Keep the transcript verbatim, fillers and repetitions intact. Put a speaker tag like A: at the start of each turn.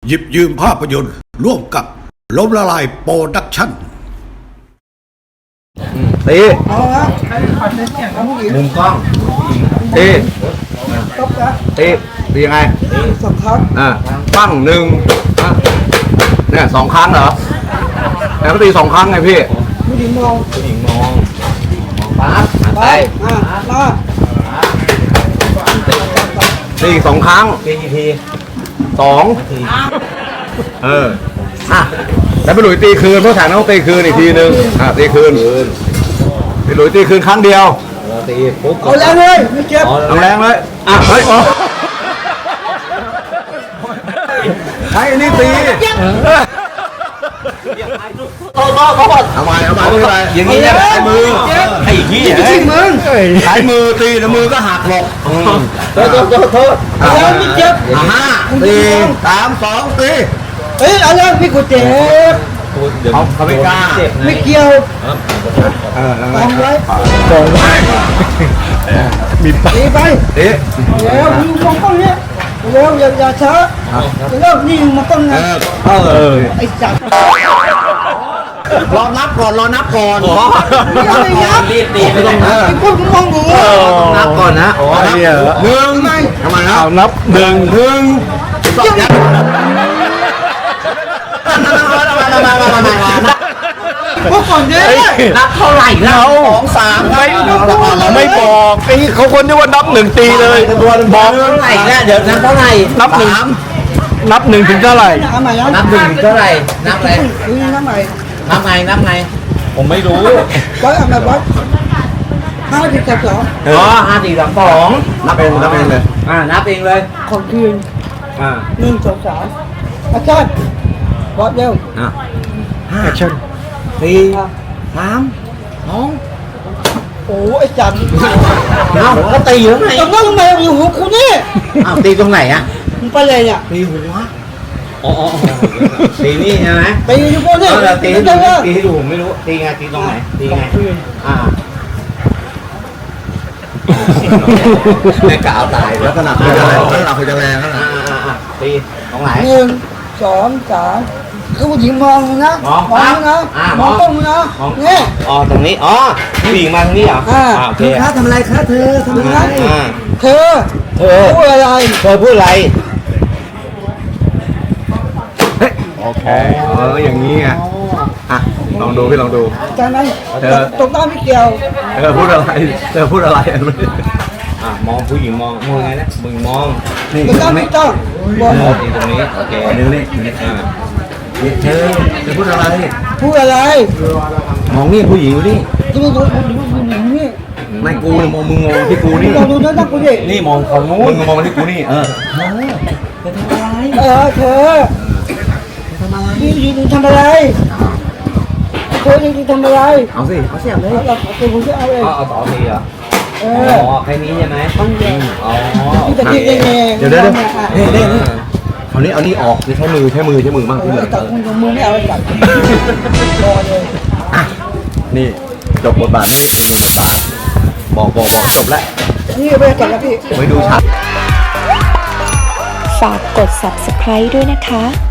A: หยิบยืมภาพยนตร์ร่วมกับล้มละลายโปรดักชั่น
B: ตีมุมกล้องตีตีตียังไงสองครั้งอ่าปั้งหนึ่งเนี่ยสองครั้งเหรอแล้วก็ตีสองครั้งไงพี่ผู้หญิงมองผู้หญิงมองปั๊บไปอ่ามาตีสองครั้งตีกี่ทีสองเอออ่ะแล้วไปหลุยตีคืนเพราะฉากต้องตีคืนอีกทีนึงอ่ะตีคืนไปหลุยตีคืนครั้งเดียวตีปุ๊บเอาแรงเลยไม่เจ็บเอาแรงเลยอ่ะเฮ้ยใช้อันนี้ตีเอาเอาเอาเอามาเอามาไม่เป็นไรอย่างนี้เนี่ยใช้มือไอ้ขี้ไอ้มือใช้มือตีแล้วมือก็หักหลบโทษโทษโทษโทษแล้วไม่เจ็บห้าสี่สามสองตีเฮ้ยเอาแล้วพี่กูเจ็บเขาเขาไม่กล้าไม่เกี่ยวเออแล้วไงไว้กองไว้มีไปไปเอ๊ะเดี๋ยวมึงมองต้องเนี้ยเร็วอย่าอย่าช้าเร็วนี่มันต้องไงเออไอ้จับรอนับก่อนรอนับก่อนยังไม่นับรีบตีไม่ต้องนับไอ้พวกมึงมองกูนับก่อนนะหนึ่งทำไมนะนับหนึ่งหนึ่งสองพวกก่อนเนี่ยนับเท่าไหร่นะสองสามไม่ไม่บอกไอ้เขาคนที่ว่านับหนึ่งตีเลยบอกเท่าไหร่เนี่ยเดี๋ยวนับเท่าไหร่นับหนึ่งนับหนึ่งถึงเท่าไหร่นับหนึ่งถึงเท่าไหร่นับอะไรนับไงนับไงนับไงผมไม่รู้ร้อยอะไรร้อยห้าสิบสองอ๋อห้าสิบสองสองนับเองนับเองเลยอ่านับเองเลยของคืนอ่าหนึ่งสองสามแอคชั่นบอสเร็วอ่ะห้าแอคชั่นสี่สามสองโอ้ไอ้จันเอ้าก็ตีอยู่ไหนตรงนั้นทำไมอยู่หัวคุณนี่อ้าวตีตรงไหนอ่ะมึงไปเลยเนี่ยตีหัวอ๋อตีนี่ใช่ไหมตีอยู่บนนี่ตีตีตีให้ดูผมไม่รู้ตีไงตีตรงไหนตีไงอ่าแม่กาวตายแล้วขนาดคือจะแรงแล้วคือจะแรงแล้วนะตีตรงไหนหนึ่งสองสามคือผู้หญิงมองนะมองนะมองต้องนะนี่อ๋อตรงนี้อ๋อผู้หญิงมาตรงนี้เหรออ่าโอเคคะทำอะไรคะเธอทำอะไรเธอเธอพูดอะไรเธอพูดอะไรโอเคเอออย่างนี้ไงอ่ะลองดูพี่ลองดูจำไหมเธอตรงหน้าไม่เกี่ยวเธอพูดอะไรเธอพูดอะไรอ่ะมองผู้หญิงมองมองไงนะมึงมองนี่ตรงหน้าไม่ต้องมองตรงนี้โอเคนี่นี่อ่าเธอเธอพูดอะไรพูดอะไรมองนี่ผู้หญิงนี่ดูดูดูดูนี่ไม่กูมองมึงมองที่กูนี่ดูดูนั่นกูดินี่มองเขาโน้มึงมองที่กูนี่เออเธอทำอะไรเออเธอทำอะไรยืนทำอะไรเธอยืนทำอะไรเอาสิเอาเสียบเลยเอาเอาผมจะเอาเลยเอาเอาต่อทีเหรอเอออ๋อแค่นี้ใช่ไหมอ๋อเดี๋ยวเดี๋ยวเดี๋ยวเฮ้ยเดี๋ยวคราวนี้เอานี่ออกใช้มือใช้มือใช้มือมากที่เหลือจับมือไม่เอาจับรอเลยอ่ะนี่จบบทบาทนี่อีกหนึ่งบทบาทบอกบอกบอกจบแล้วนี่ไปจับแล้วพี่ไปดูฉาก
C: ฝากกด ซับสไครบ์ ด้วยนะคะ